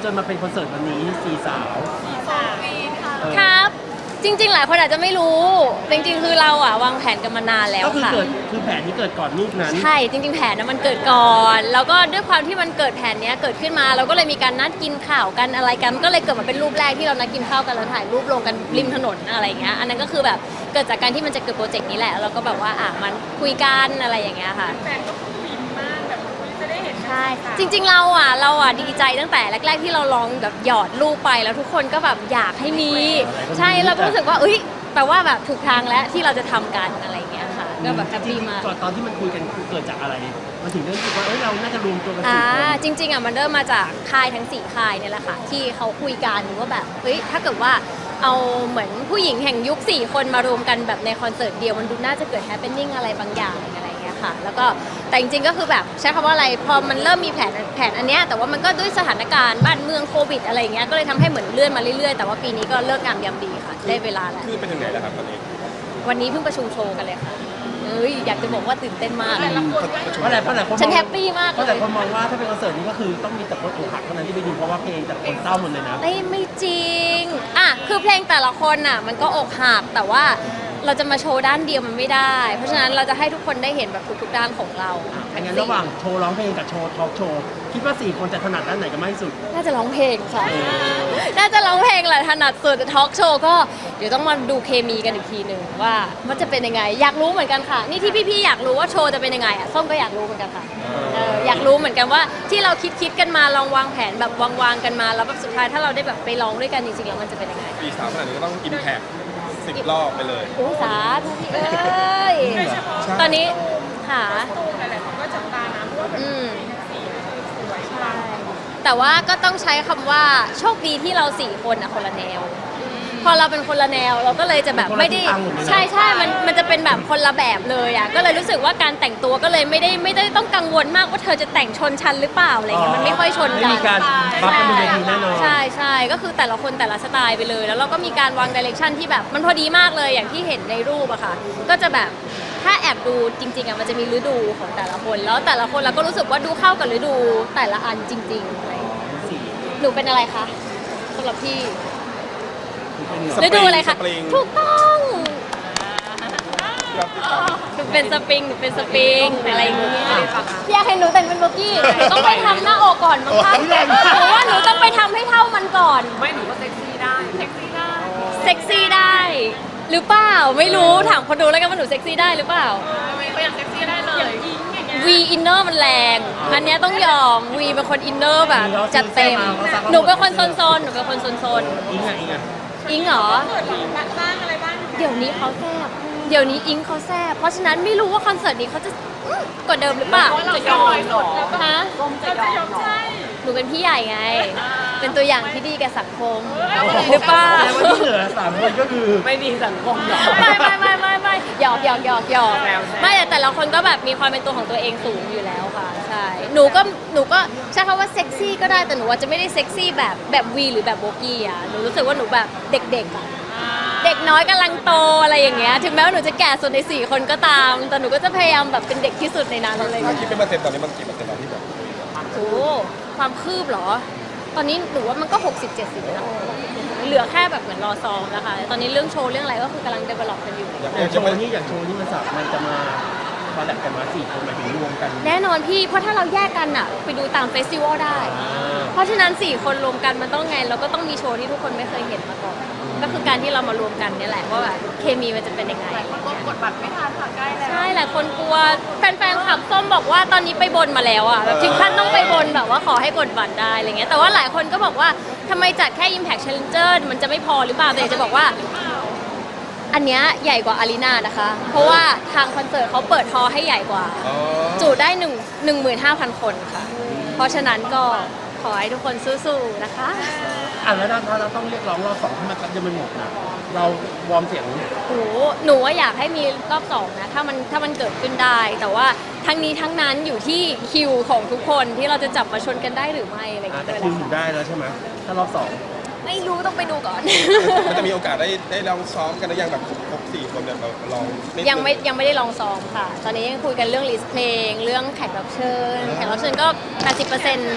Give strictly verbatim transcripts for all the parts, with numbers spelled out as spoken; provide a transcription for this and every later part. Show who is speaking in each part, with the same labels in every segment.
Speaker 1: นมาเป็นคอนเสิร์ตวันนี้สี่สาว
Speaker 2: ครับจริงๆหลายคนอาจจะไม่รู้จริงๆคือเราอ่ะวางแผนกันมานานแล้ว
Speaker 1: ก็คือ
Speaker 2: ค่ะ
Speaker 1: เกิดคือแผนที่เกิดก่อนรูปนั้น
Speaker 2: ใช่จริงๆแผนนะมันเกิดก่อนแล้วก็ด้วยความที่มันเกิดแผนเนี้ยเกิดขึ้นมาเราก็เลยมีการนัดกินข้าวกันอะไรกันมันก็เลยเกิดมาเป็นรูปแรกที่เรานัดกินข้าวกันแล้วถ่ายรูปลงกันริมถนนอะไรเงี้ยอันนั้นก็คือแบบเกิดจากการที่มันจะเกิดโปรเจกต์นี้แหละแล้วก็แบบว่าอ่ะมันคุยกันอะไรอย่างเงี้ยค่ะ
Speaker 3: แฟนก็ฟินมากแบบจะได้เห็น
Speaker 2: ใช่จริงๆเราอ่ะเราอ่ะดีใจตั้งแต่แรกๆที่เราลองแบบหยอดรูปไปแล้วทุกคนก็แบบอยากให้มีใช่เราก็รู้สึกว่าเอ้ยแปลว่าแบบถูกทางแล้วที่เราจะทำกันอะไรอย่างเงี้ยค่ะก็แบบแฮปปี้มาก
Speaker 1: ก่อนตอนที่มันคุยกันคือเกิดจากอะไรมันถึงได้รู้สึกว่าเอ้ยเราน่าจะรวมตัวกัน
Speaker 2: อ่า
Speaker 1: สี่คน
Speaker 2: จริงๆอ่ะมันเริ่มมาจากค่ายทั้งสี่ค่ายเนี่ยแหละค่ะที่เขาคุยกันว่าแบบเฮ้ยถ้าเกิดว่าเอาเหมือนผู้หญิงแห่งยุคสี่คนมารวมกันแบบในคอนเสิร์ตเดียวมันดูน่าจะเกิดแฮปปี้นิ่งอะไรบางอย่างอะไรอย่างเงี้ยค่ะแล้วก็แต่จริงๆก็คือแบบใช้คำว่าอะไรพอมันเริ่มมีแผนแผนอันเนี้ยแต่ว่ามันก็ด้วยสถานการณ์บ้านเมืองโควิดอะไรอย่างเงี้ยก็เลยทำให้เหมือนเลื่อนมาเรื่อยๆแต่ว่าปีนี้ก็เลิกงามยามดีค่ะได้เวลาแล้ว
Speaker 4: คือไปถึงไหนแล้วครับตอนนี้
Speaker 2: วันนี้เพิ่งประชุมโชว์กันเลยค่ะเอ้ยอยากจะบอกว่าตื่นเต้นมาก
Speaker 1: เพราะอะไรเพราะอะไรคน
Speaker 2: ฉันแฮปปี้มาก
Speaker 1: เพราะ
Speaker 2: เล
Speaker 1: แต่
Speaker 2: ย
Speaker 1: คนมองว่าถ้าเป็นคอนเสิร์ตนี้ก็คือต้องมีแต่คนอกหักเท่านั้นที่ไปดูเพราะว่าเพลงแต่คนเศร้าหมดเลยนะ
Speaker 2: ไม่ไม่จริงอ่ะคือเพลงแต่ละคนน่ะมันก็อกหักแต่ว่าเราจะมาโชว์ด้านเดียวมันไม่ได้ เพราะฉะนั้นเราจะให้ทุกคนได้เห็นแบบทุกๆด้านของเรา
Speaker 1: อันนั้นระหว่างโชว์ร้องเพลงกับโชว์ทอล์กโชว์คิดว่าสี่คนจะถนัดด้านไหนกันมากที่สุด
Speaker 2: น่าจะร้องเพลงค่ะ น่าจะร้องเพลงแหละถนัดสุดทอล์กโชว์ก็เดี๋ยวต้องมาดูเคมีกันอีกทีหนึ่งว่ามันจะเป็นยังไงอยากรู้เหมือนกันค่ะนี่ที่พี่ๆอยากรู้ว่าโชว์จะเป็นยังไงอ่ะส้มก็อยากรู้เหมือนกันค่ะเอออยากรู้เหมือนกันว่าที่เราคิดคิดกันมาลองวางแผนแบบวางๆกันมาแล้วแบบสุดท้ายถ้าเราได้แบบไปร้องด้วยกันจริงๆแล้วมันจะเป็นยังไง
Speaker 4: ปีสามขนาดนี้ก็ต้องอินแพคสิบรอบไปเลย
Speaker 2: โอ้สาธุพี่เอ้ยตอนนี้หา
Speaker 3: หลายๆคนก็จับตานะเพราะว่าแบบ
Speaker 2: อืม
Speaker 3: สีคือสวยปัง
Speaker 2: แต่ว่าก็ต้องใช้คำว่าโชคดีที่เราสี่คนอะคนละแนว พอเราเป็นคนละแนวเราก็เลยจะแบบไม่ได้ใช่ใช่มันมันจะเป็นแบบคนละแบบเลยอ่ะก็เลยรู้สึกว่าการแต่งตัวก็เลยไม่ได้ไม่ได้ต้องกังวลมากว่าเธอจะแต่งชนชั้นหรือเปล่าอะไรเงี้ยมันไม่ค่อยชน
Speaker 1: ไม่
Speaker 2: กัน
Speaker 1: มีการบัฟกันบนเวทีแน่นอน
Speaker 2: ใช่ใช่ก็คือแต่ละคนแต่ละสไตล์ไปเลย แล้วเราก็มีการวางดิเรกชันที่แบบมันพอดีมากเลยอย่างที่เห็นในรูปอะค่ะก็จะแบบถ้าแอบดูจริงๆอะมันจะมีฤดูของแต่ละคน แล้วแต่ละคนเราก็รู้สึกว่าดูเข้ากับฤดูแต่ละอันจริงๆอะไรอย่างเงี้ยหนูเป็นอะไรคะสำหรับพี่
Speaker 4: สปริ
Speaker 2: ฤ
Speaker 4: ง
Speaker 2: ดูอะไรคะ
Speaker 4: สปริง
Speaker 2: ถูกต้อง
Speaker 4: ยอดติดตาม
Speaker 2: หนูเป็นสปริงหนูเป็นสปริงอะไรอย่างเงี้ยอยากเห็นหนูแต่งเป็นโบกี้หนูต้องไปทำหน้าอกก่อนมั้งคะหนูว่าหนูต้องไปทำให้เท่ามันก่อน
Speaker 3: ไม่หนูก็เซ็กซี่ได้เซ็กซี่ได้
Speaker 2: เซ็กซี่ได้หรือเปล่าไม่รู้ถามคนดูแล้วกันว่าหนูเซ็กซี่ได้หรือเปล่า
Speaker 3: ไม่ก็ยังเซ็กซี่ได้เลยอย่างอิงอย่างเงี้ย
Speaker 2: วีอินเนอร์มันแรงอันเนี้ยต้องยอมวีเป็นคนอินเนอร์แบบจัดเต็มหนูเป็นคนโซนๆหนูเป็นคนโซน
Speaker 1: อิงอ่ะอิงอ่ะ
Speaker 2: ๆอิงเหรอ
Speaker 3: เกิดหลังบ้างอะไรบ้าง
Speaker 2: เดี๋ยวนี้เขาแซบเดี๋ยวนี้อิงเขาแซบเพราะฉะนั้นไม่รู้ว่าคอนเสิร์ตนี้เขาจะอื้อกว่าเดิมหรือเปล่า
Speaker 3: เราจะยอมหรอ
Speaker 2: ฮะ
Speaker 3: เราจะยอมใช่
Speaker 2: หนูเป็นพี่ใหญ่ไง เป็นตัวอย่างที่ดีแก่สังคมหรือเปล่า
Speaker 1: แต่ว่าที่เหลือสามคนก็คือ
Speaker 3: ไม่ดีสังคมหรอ
Speaker 2: ไม่ไม่ไม่ไม่ไม่หยอกหยอกหยอกหยอก
Speaker 3: แซวแซว
Speaker 2: ไม่แต่แต่ละคนก็แบบมีความเป็นตัวของตัวเองสูงอยู่แล้วค่ะใช่หนูก็หนูก็ใช้คำว่าเซ็กซี่ก็ได้แต่หนูว่าจะไม่ได้เซ็กซี่แบบแบบวีหรือแบบโบกี้อ่ะหนูรู้สึกว่าหนูแบบเด็กๆอ่ะเด็กน้อยกำลังโตอะไรอย่างเงี้ยถึงแม้ว่าหนูจะแก่สุดในสี่คนก็ตาม แต่หนูก็จะพยายามแบบเป็นเด็กที่สุดในนั้นอะไรอย่าง
Speaker 4: ถ้า
Speaker 2: เงี้ย
Speaker 4: คิดเป็นเปอร์เซ็นต์ตอนนี้มันกี่เปอร์เซ็นต์แล้วที่แบบ
Speaker 2: โอ้ความคืบเหรอ ตอนนี้หนูว่ามันก็ หกสิบเจ็ดสิบนะเหลือแค่แบบเหมือนรอซ้อมแล้วค่ะตอนนี้เรื่องโชว์เรื่องอะไรก็คือกำลัง develop กันอยู่
Speaker 1: อย่างโชว์นี้อย่างโชว์นี้มันสับมันจะมาคอลแลบกันมาสี่คนหมายถึงรวมกัน
Speaker 2: แน่นอนพี่เพราะถ้าเราแยกกันอะไปดูตามเฟสติวัลได้ เพราะฉะนั้นสี่คนรวมกันมันต้องไงเราก็ต้องมีโชว์ที่ทุกคนไม่เคยเห็นมาก่อนก็คือการที่เรามารวมกันเนี่ยแหละว่าแบบเคมีมันจะเป็นยังไง
Speaker 3: มันก็กดบัตรไม่ทันค่ะใกล้แล้ว
Speaker 2: ใช่หลายคนกลัวแฟนๆขับส้มบอกว่าตอนนี้ไปบนมาแล้วอะแบบถึงขั้นต้องไปบนแบบว่าขอให้กดบัตรได้อะไรเงี้ยแต่ว่าหลายคนก็บอกว่าทำไมจัดแค่ Impact Challenger มันจะไม่พอหรือเปล่าแต่อยากจะบอกว่า อันเนี้ยใหญ่กว่าอารีนานะคะ เพราะว่าทางคอนเสิร์ตเขาเปิดฮอลล์ให้ใหญ่กว่า
Speaker 4: อ๋อ
Speaker 2: จุได้หนึ่งหนึ่งหมื่นห้าพันคนค่ะ เพราะฉะนั้นก็ขอให้ทุกคนสู้ๆนะคะ
Speaker 1: อ่ะแล้วถ้าเราต้องเรียกร้องรอบสองให้มันจะมันหมดนะเราวอร์มเสียง
Speaker 2: โอ้โหหนูว่าอยากให้มีรอบสองนะถ้ามันถ้ามันเกิดขึ้นได้ แต่ว่าทั้งนี้ทั้งนั้นอยู่ที่คิวของทุกคนที่เราจะจับมาชนกันได้หรือไม่อะไรอย่าง
Speaker 1: อ่ะ
Speaker 2: เงี้ย
Speaker 1: แต่
Speaker 2: ด้วย
Speaker 1: คิว
Speaker 2: นะ
Speaker 1: อยู่ได้แล้วใช่ไหมถ้ารอบสอง
Speaker 2: ไม่รู้ต้องไปดูก่อน
Speaker 4: มันจะมีโอกาสได้ได้ลองซ้อมกันหรือยังแบบครบสี่คนเนี่ยเราลองนิดนึ
Speaker 2: ยังไม่ยังไม่ได้ลองซ้อมค่ะ ตอนนี้ยังคุยกันเรื่องลิสต์เพลง เรื่องแขกรับเชิญ แขกรับเชิญก็ แปดสิบเปอร์เซ็นต์ ใช่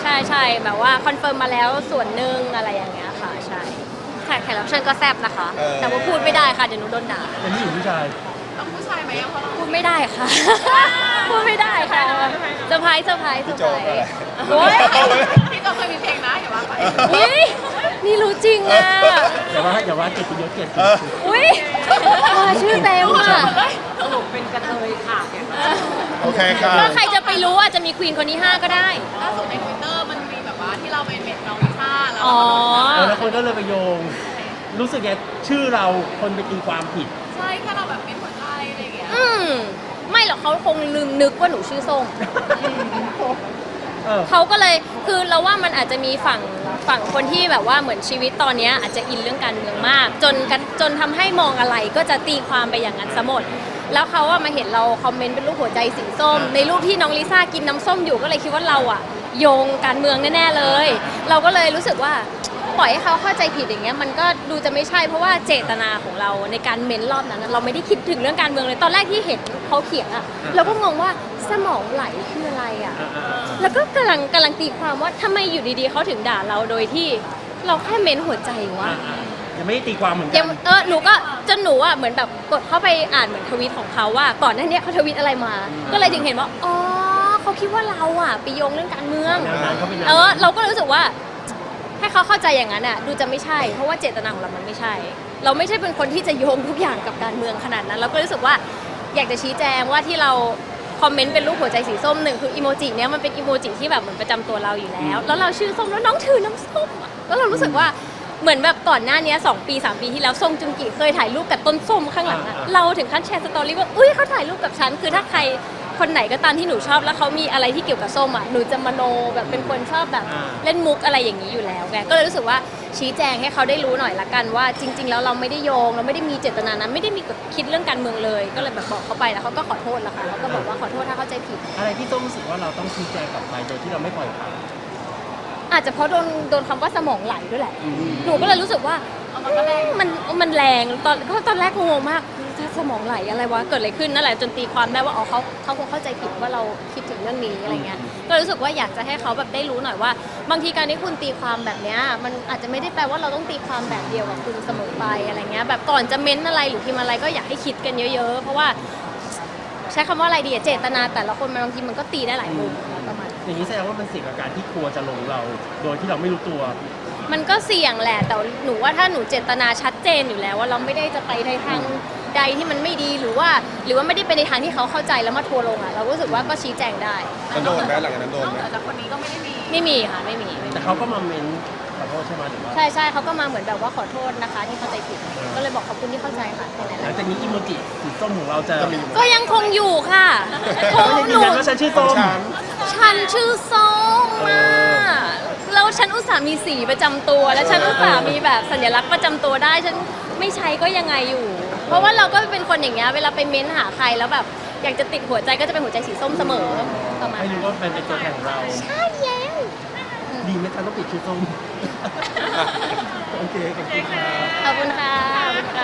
Speaker 2: ช่ใช่แบบว่าคอนเฟิร์มมาแล้วส่วนหนึ่งอะไรอย่างเงี้ยค่ะใช่แขกแขกรับเชิญก็แซ่บนะคะ แต่ว่าพูดไม่ได้ค่ะเดี๋ยวหนูโดนด่า
Speaker 1: เป็นผู้หญิงผู้ชาย
Speaker 3: ต้องผู้ชายไหมอะเพราะเรา
Speaker 2: พูดไม่ได้ค่ะ พูดไม่ได้ค่ะเซอร์ไพรส์เซอร์ไพรส์เซอ
Speaker 4: พี่
Speaker 2: ร์
Speaker 4: โจ
Speaker 2: ไพร
Speaker 4: ก็อะไร
Speaker 2: ส์โอ้ย
Speaker 3: พี่โจเคยมีเพลงนะอย่าว่าไป
Speaker 2: อุ้ยนี่รู้จริงอ่ะ
Speaker 1: อย่าว่าอย่าว่าเกียรติยศเกียรติ
Speaker 4: เออ
Speaker 2: อุ้ยมาชื่อเต็มอ่ะ
Speaker 3: สรุปเป็นกระเทยค่ะ
Speaker 4: โอเคค่ะ
Speaker 2: แล้วใครจะไปรู้ว่าจะมีควีนคนที่ห้าก็ได้
Speaker 3: ล่าสุดในทวิตเตอร์มันมีแบบว่าที่เราเป็นเม็ดน้องลิซ่าแล้ว
Speaker 2: อ๋อ
Speaker 1: เออแล้วคนก็เลยไปโยง รู้สึกไงชื่อเราคนไปตีความผิด
Speaker 3: ใช่แค่เราแบบเป็นหัวใจอะไรอย่างเงี้ย
Speaker 2: อืมไม่หรอกเขาคงลืมนึกว่าหนูชื่อส้ม
Speaker 1: เออ
Speaker 2: เขาก็เลยคือเราว่ามันอาจจะมีฝั่งฝั่งคนที่แบบว่าเหมือนชีวิตตอนเนี้ยอาจจะอินเรื่องการเมืองมาก จนกันจนทำให้มองอะไรก็จะตีความไปอย่างนั้นซะหมด แล้วเขาว่ามาเห็นเราคอมเมนต์เป็นรูปหัวใจสีส้ม ในรูปที่น้องลิซ่ากินน้ำส้มอยู่ก็เลยคิดว่าเราอะโยงการเมืองแน่ๆเลย เราก็เลยรู้สึกว่าปล่อยให้เขาเข้าใจผิดอย่างเงี้ยมันก็ดูจะไม่ใช่เพราะว่าเจตนาของเราในการเม้นรอบนั้นอะเราไม่ได้คิดถึงเรื่องการเมืองเลยตอนแรกที่เห็นเขาเขียนอะเราก็งงว่าสมองไหลคืออะไรอะ
Speaker 1: อ่าอ่าอ่า
Speaker 2: แล้วก็กำลังกำลังตีความว่าทำไมอยู่ดีๆเขาถึงด่าเราโดยที่เราแค่เม้นหัวใจวะ
Speaker 1: อ่าอ่ายังไม่ได้ตีความเหมือนกั
Speaker 2: ยังเออหนูก็จนหนูอ่ะเหมือนแบบกดเข้าไปอ่านเหมือนทวีตของเขาว่าก่อนหน้านี้เขาทวีตอะไรมา ก็เลยถึงเห็นว่าอ๋อเขาคิดว่าเราอ่ะไปโยงเรื่องการเมือง
Speaker 1: แนวนั้นเขาเป็นแนว
Speaker 2: เออ
Speaker 1: นั้น
Speaker 2: เราก็เลยรู้สึกว่าให้เขาเข้าใจอย่างนั้นอ่ะดูจะไม่ใช่ เพราะว่าเจตนาของเรามันไม่ใช่ เราไม่ใช่เป็นคนที่จะโยงทุกอย่างกับการเมืองขนาดนั้น เราก็รู้สึกว่าอยากจะชี้แจงว่าที่เราคอมเมนต์เป็นรูปหัวใจสีส้มหนึ่งคืออีโมจิเนี้ยมันเป็นอีโมจิที่แบบเหมือนประจำตัวเราอยู่แล้ว แล้วเราชื่อส้มแล้วน้องถือน้ำส้มอะแล้วเรารู้สึกว่าเหมือนแบบก่อนหน้านี้สองปีสามปีที่แล้วส้มจุงกิเคยถ่ายรูปกับต้นส้มข้างหลังอะเราถึงขั้นแชร์สตอรี่ว่าอุ้ยเขาถ่ายรูปกับฉันคือถ้าใครคนไหนก็ตามที่หนูชอบแล้วเขามีอะไรที่เกี่ยวกับส้มอ่ะหนูจะมโนแบบเป็นคนชอบแบบเล่นมุกอะไรอย่างนี้อยู่แล้วไงก็เลยรู้สึกว่าชี้แจงให้เขาได้รู้หน่อยละกันว่าจริง ๆ แล้วเราไม่ได้โยงเราไม่ได้มีเจตนานั้นไม่ได้มีคิดเรื่องการเมืองเลย ก็เลยแบบบอกเขาไปแล้วเขาก็ขอโทษละค่ะเขาก็บอกว่าขอโทษถ้าเข้าใจผิด
Speaker 1: อะไรที่ต้องรู้สึกว่าเราต้องชี้แจงกลับไปโดยที่เราไม่ปล่อยผ่าน
Speaker 2: อาจจะเพราะโดนโดนคำว่าสมองไหลด้วยแหละ
Speaker 1: อืม
Speaker 2: หนูก็เลยรู้สึกว่า
Speaker 3: เอามันก็แรง
Speaker 2: มันมันแรงตอนก็ตอนแรกงงมากถ้าสมองไหลอะไรวะเกิดอะไรขึ้นนั่นแหละจนตีความได้ว่าอ๋อเขาเขาคงเข้าใจผิดว่าเราคิดถึงเรื่องนี้อะไรเงี้ยก็รู้สึกว่าอยากจะให้เขาแบบได้รู้หน่อยว่า บางทีการที่คุณตีความแบบเนี้ยมันอาจจะไม่ได้แปลว่าเราต้องตีความแบบเดียวกับคุณเสมอไปอะไรเงี้ยแบบก่อนจะเม้นอะไรหรือพิมพ์อะไรก็อยากให้คิดกันเยอะๆ เพราะว่าใช้คำว่าอะไรดีอะเจตนาแต่ละคนมันบางทีมันก็ตีได้หลายมุมประมาณ
Speaker 1: อย่างนี้แสดงว่ามันเสี่ยงกับการที่ครัวจะลงเรา โดยที่เราไม่รู้ตัว
Speaker 2: มันก็เสี่ยงแหละแต่หนูว่าถ้าหนูเจตนาชัดเจนอยู่แล้วว่าเราไม่ได้จะไปในทางใดที่มันไม่ดีหรือว่า หรือว่าไม่ได้ไปในทางที่เขาเข้าใจแล้วมาทัวร์ลงอ่ะเราก็รู้สึกว่าก็ชี้แจงได้
Speaker 4: มันโดนไหมหลังจากนั้นโดน
Speaker 3: นอก
Speaker 4: ไหม
Speaker 3: เหนือจากคนนี้ก็ไม่ได้มี
Speaker 2: ไม่มีค่ะไม่มีไม่มี
Speaker 1: แต่เขาก็มาเม้นขอโทษใช่ไหมหรือว่า
Speaker 2: ใช่ใช่เขาก็มาเหมือนแบบว่าขอโทษนะคะที่เข้าใจผิดก็เลยบอกขอบคุณที่เข้าใจค่ะแค่นั้นแห
Speaker 1: หลัง
Speaker 2: ละ
Speaker 1: จากนี้อีโมจิสีส้มของเราจะ
Speaker 4: จะมี
Speaker 2: ก็ยังคงอยู่ค่ะค
Speaker 1: เขา
Speaker 2: ง
Speaker 1: ยัง
Speaker 2: ห
Speaker 1: ยืน
Speaker 2: นู
Speaker 1: ยันว่าฉันชื่อ
Speaker 4: ข
Speaker 1: ส้
Speaker 4: อง
Speaker 1: ม
Speaker 4: ฉัน
Speaker 2: ฉันชื่อส้มมาแล้วฉันอุตส่าห์มีสีประจำตัว และฉันอุตส่าห์มีแบบสัญลักษณ์ประจำตัวได้ฉันไม่ใช้ก็ยังไงอยู่ เพราะว่าเราก็เป็นคนอย่างเงี้ยเวลาไปเม้นหาใครแล้วแบบอยากจะติดหัวใจก็จะเป็นหัวใจสีส้มเสมอประมาณ
Speaker 1: ให้รู้ว่ามันเป็นตัวแทนของเรา
Speaker 2: ใช่แล้ว
Speaker 1: ดีไหมคะต้องปิดชื่อส้ม โอเคขอบคุณค่ะ
Speaker 2: ขอบคุณค่ะขอบคุณค่ะ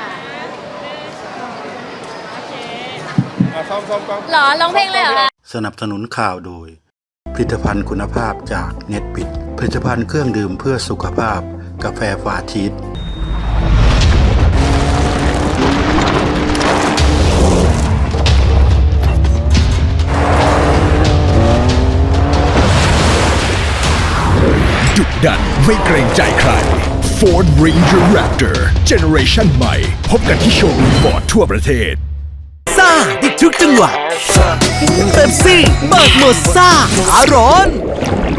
Speaker 4: อ่ะซ้อมซ้อมซ้อม
Speaker 2: หรอร้องเพลงเลยเหรอคะ
Speaker 5: สนับสนุนข่าวโดย ผลิตภัณฑ์คุณภาพจากเน็ตบิดผลิตภัณฑ์เครื่องดื่มเพื่อสุขภาพ กาแฟฟาชีส
Speaker 6: ดุดันไม่เกรงใจใคร Ford Ranger Raptor Generation ใหม่ พบกันที่โชว์รูมฟอร์ดทั่วประเทศ
Speaker 7: ซ่าติดทุกจังหวะเป๊ปซี่เบิกหมดซ่าอารอน